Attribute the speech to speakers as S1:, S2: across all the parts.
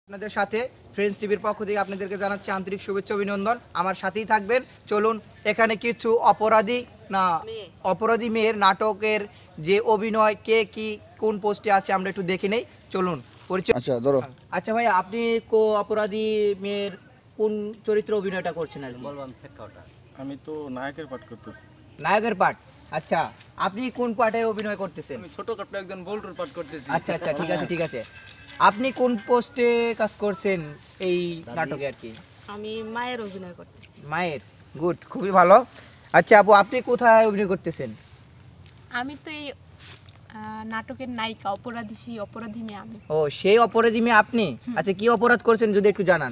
S1: আপনাদের সাথে ফ্রেন্ডস টিভির পক্ষ থেকে আপনাদেরকে জানাচ্ছি আন্তরিক শুভেচ্ছা অভিনন্দন। আমার সাথেই থাকবেন। চলুন এখানে কিছু অপরাধী মেয়ের নাটকের যে অভিনয় কে কি কোন পোস্টে আছে আমরা একটু দেখে নেই। চলুন পরিচয়। আচ্ছা ভাই, আপনি অপরাধী মেয়ের কোন চরিত্রে অভিনয়টা করছেন? আর বলবাম শেখাটা
S2: আমি তো নায়কের পাঠ করতেছি।
S1: নায়কের পাঠ? আচ্ছা, আপনি কোন পার্টে অভিনয় করতেছেন?
S2: আমি ছোটখাটো একজন বল্টুর পাঠ করতেছি।
S1: আচ্ছা আচ্ছা, ঠিক আছে। আপনি কোন পোস্টে কাজ করছেন এই নাটকে? আর কি
S3: আমি মায়ের অভিনয় করতেছি।
S1: মায়ের? গুড, খুবই ভালো। আচ্ছা আপু, আপনি কোথায় অভিনয় করতেছেন?
S3: আমি তো এই নাটকের নায়িকা, সেই অপরাধী মেয়ে আমি।
S1: ও, সেই অপরাধী মেয়ে আপনি? আচ্ছা, কি অপরাধ করছেন যদি একটু জানান।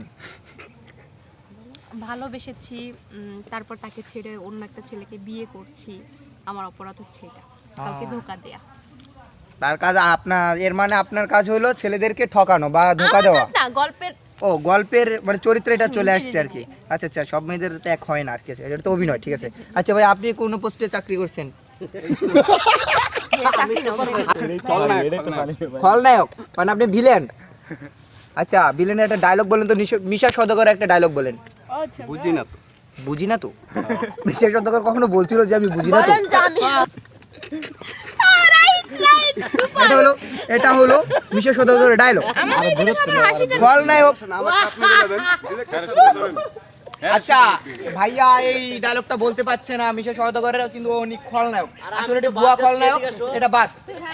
S3: ভালোবেসেছি, তারপর তাকে ছেড়ে অন্য একটা ছেলেকে বিয়ে করছি। আমার অপরাধ হচ্ছে এটা, কাউকে ধোঁকা দেয়া।
S1: তার কাজ আপনার, এর মানে আপনার কাজ হলো ছেলেদেরকে ঠকানো বা ধোঁকা দেওয়া?
S3: না,
S1: গল্পের মানে চরিত্র এটা চলে আসছে আর কি। আচ্ছা আচ্ছা, সব মেয়েদের তো এক হয় না আর কি, এটা তো অভিনয়। ঠিক আছে। আচ্ছা ভাই, আপনি কোন পোস্টে চাকরি করছেন? খলনায়ক মানে আপনি ভিলেন? আচ্ছা, ভিলেনের একটা ডায়লগ বলেন তো, মিশা সওদাগর একটা ডায়লগ বলেন। বুঝি না তো মিশা সওদাগর কখনো বলছিল যে আমি বুঝি না তো? এটা হলো মিশা সওদাগরের ডায়লগ। খলনায়ক। আচ্ছা ভাইয়া এই ডায়লগটা বলতে পারছে না মিশা সওদাগরের, কিন্তু উনি খলনায়ক। আসলে এটা ভুয়া খলনায়ক, এটা বাদ।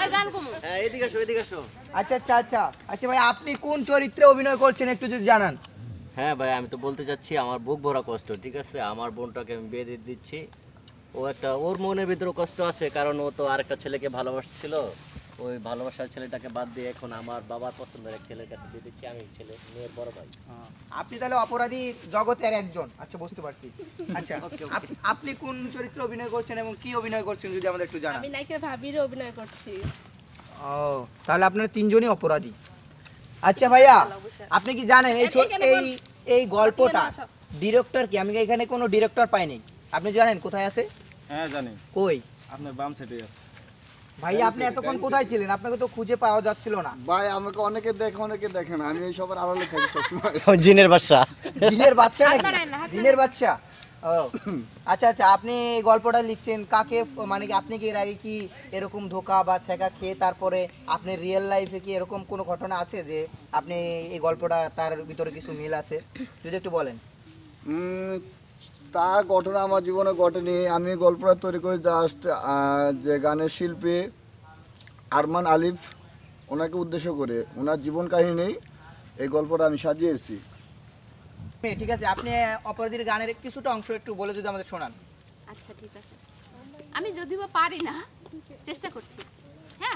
S1: আচ্ছা ভাই, আপনি কোন চরিত্রে অভিনয় করছেন একটু যদি জানান।
S4: হ্যাঁ ভাই, আমি তো বলতে চাচ্ছি আমার বুক ভরা কষ্ট। ঠিক আছে, আমার বোনটাকে আমি বিয়ে দিয়ে দিচ্ছি। ওর মনের ভিতরে কষ্ট আছে, কারণ ও তো আরেকটা ছেলেকে ভালোবাসছিল। ওই ভালোবাসার ছেলেটাকে বাদ দিয়ে এখন আমার বাবার পছন্দের এক ছেলের কাছে দিয়ে দিচ্ছি। আমি মেয়ের বড় ভাই।
S1: আপনি তাহলে অপরাধী জগতের একজন। আচ্ছা, বুঝতে পারছি। আচ্ছা, আপনি কোন চরিত্রে অভিনয় করছেন এবং কি অভিনয় করছেন যদি আমাদের একটু জানান।
S3: আমি নায়িকার ভাবির অভিনয় করছি।
S1: ও, তাহলে আপনারা তিনজনই অপরাধী। আচ্ছা ভাইয়া, আপনি কি জানেন এই গল্পটা ডিরেক্টর কি? আমি এখানে কোনো ডিরেক্টর পাইনি। আপনি জানেন কোথায় আছে?
S2: হ্যাঁ জানি।
S1: কই?
S2: আপনার বাম সাইডে আছে।
S1: ভাইয়া, আপনি এতক্ষণ কোথায় ছিলেন? আপনাকে তো খুঁজে পাওয়া যাচ্ছিল না।
S5: ভাই আমাকে অনেকে দেখে অনেকে দেখে না, আমি এই সবার আড়ালে থাকি সবসময়।
S4: জিনের বাদশা।
S1: জিনের বাদশা নাকি? জিনের বাদশা। ও আচ্ছা, আপনি এই গল্পটা লিখছেন কাকে, মানে কি আপনি কি এর আগে কি এরকম ধোঁকা বা ছেঁকা খেয়ে তারপরে আপনি রিয়েল লাইফে কি এরকম কোনো ঘটনা আছে যে আপনি এই গল্পটা তার ভিতরে কিছু মিল আছে যদি একটু বলেন।
S5: তা ঘটনা আমার জীবনে ঘটেনি। আমি গল্পটা তৈরি করি জাস্ট যে গানের শিল্পী আরমান আলিফ, ওনাকে উদ্দেশ্য করে, ওনার জীবন কাহিনী এই গল্পটা আমি সাজিয়েছি।
S1: ঠিক আছে, আপনি অপরাধীর গানের কিছুটা অংশ একটু বলে যদি আমাদের শোনান।
S3: আচ্ছা ঠিক আছে, আমি যদিও পারি না, চেষ্টা করছি। হ্যাঁ।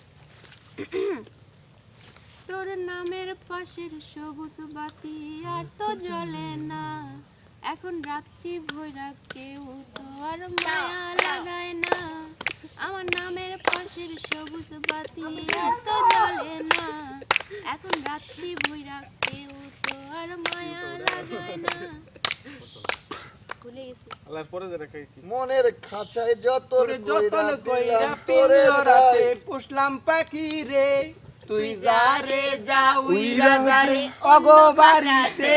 S3: তোর নামের পাশের সবুজ বাতি আর তো জ্বলে না, এখন রাত্রি ভৈরা কেউ তো আর মায়া লাগায় না। আমার নামের পাশের সবুজ বাতি আর তো জ্বলে না, এখন রাত্রি ভৈরা কেউ তো আর মায়া লাগায় না। ভুলে গেছি।
S5: মনের খাঁচায় যতন
S1: কইরা পিঞ্জরাতে পুষলাম পাখি রে, তুই যা রে যা উইরা যা রে অগো বাড়িতে,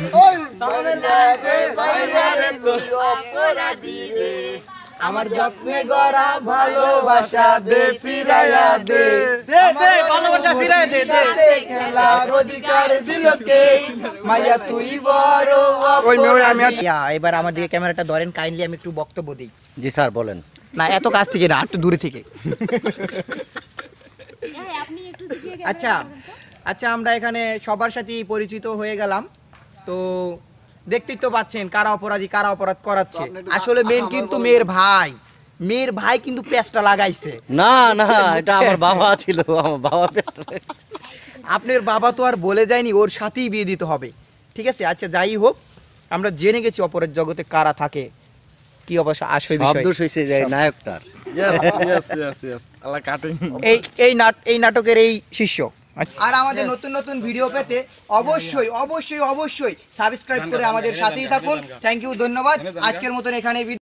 S3: অপরাধী রে
S1: আমার যত্নে গড়া ভালোবাসা দে ফিরাইয়া দে, দে ভালোবাসা ফিরাইয়া দে, খেলার অধিকার দিল কে, মাইয়া তুই বড় অপরাধী। এবার আমার দিকে ক্যামেরাটা ধরেন কাইন্ডলি, আমি একটু বক্তব্য দিই।
S4: জি স্যার, বলেন।
S1: না, এত কাছ থেকে না, একটু দূরে থেকে। আচ্ছা, আমরা এখানে সবার সাথেই পরিচিত হয়ে গেলাম। তো দেখতেই তো পাচ্ছেন কারা অপরাধী, কারা অপরাধ করাচ্ছে। আসলে মেন কিন্তু মেয়ের ভাই কিন্তু পেস্টটা লাগাইছে।
S4: না, এটা আমার বাবা ছিল, আমার বাবা পেস্ট লাগাইছে।
S1: আপনার বাবা তো আর বলে যায়নি ওর সাথেই বিয়ে দিতে হবে। ঠিক আছে। আচ্ছা, যাই হোক, আমরা জেনে গেছি অপরাধ জগতে কারা থাকে, কি অবশ্য আসল বিষয়।
S4: শব্দ হইছে যে নায়কটার।
S2: Yes. আলা কাটিং।
S1: এই নাটকের এই শিষ্য। আর আমাদের নতুন ভিডিও পেতে অবশ্যই সাবস্ক্রাইব করে আমাদের সাথেই থাকুন। থ্যাংক ইউ, ধন্যবাদ। আজকের মতন এখানে